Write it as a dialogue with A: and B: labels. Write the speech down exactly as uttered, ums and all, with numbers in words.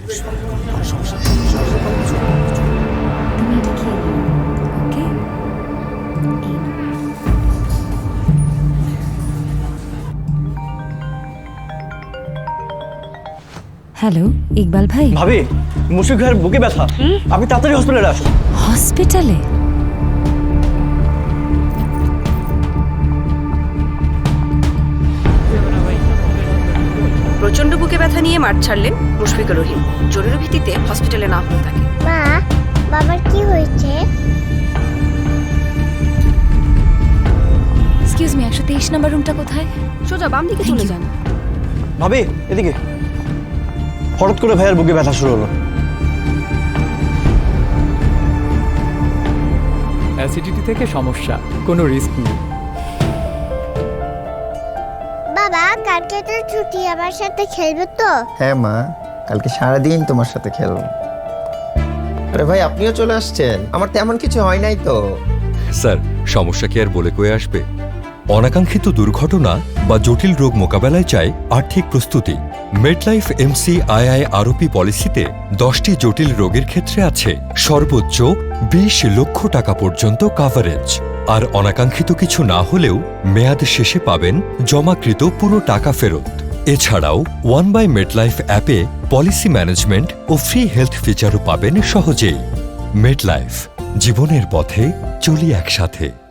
A: Hello Iqbal ভাই।
B: ভাবি, মুশফিক ভাইয়ের বুকে ব্যথা, আপনি তাড়াতাড়ি হসপিটালে আসুন।
A: হসপিটালে?
C: প্রচন্ড বুকে ব্যথা নিয়ে মাঠ ছাড়লেন মুশফিকুর রহিম। জরুরি ভিত্তিতে হসপিটালে না হলো তাকে।
D: মা, বাবার কি হয়েছে?
A: এক্সকিউজ মি, একশো তেইশ নম্বর রুমটা কোথায়?
C: সোজা বাম দিকে চলে যান।
B: ভাবি এদিকে। হঠাৎ করে ভাইয়ের বুকে ব্যথা শুরু হলো।
E: অ্যাসিডিটি থেকে সমস্যা, কোনো রিস্ক নেই।
D: বাবা, কালকে তো ছুটি, আমার সাথে খেলবে তো?
F: হ্যাঁ মা, কালকে সারাদিন তোমার সাথে খেলবো। আরে ভাই, আপনিও চলে আসছেন? আমার তেমন কিছু হয় নাই তো।
G: স্যার, সমস্যা কি আর বলে কয়ে আসবে? অনাকাঙ্ক্ষিত দুর্ঘটনা বা জটিল রোগ মোকাবেলায় চাই আর্থিক প্রস্তুতি। মেডলাইফ এমসি আইআই আরোপি পলিসিতে দশটি জটিল রোগের ক্ষেত্রে আছে সর্বোচ্চ বিশ লক্ষ টাকা পর্যন্ত কাভারেজ। আর অনাকাঙ্ক্ষিত কিছু না হলেও মেয়াদ শেষে পাবেন জমাকৃত পুরো টাকা ফেরত। এছাড়াও ওয়ান বাই মেডলাইফ অ্যাপে পলিসি ম্যানেজমেন্ট ও ফ্রি হেলথ ফিচারও পাবেন সহজেই। মেডলাইফ, জীবনের পথে চলি একসাথে।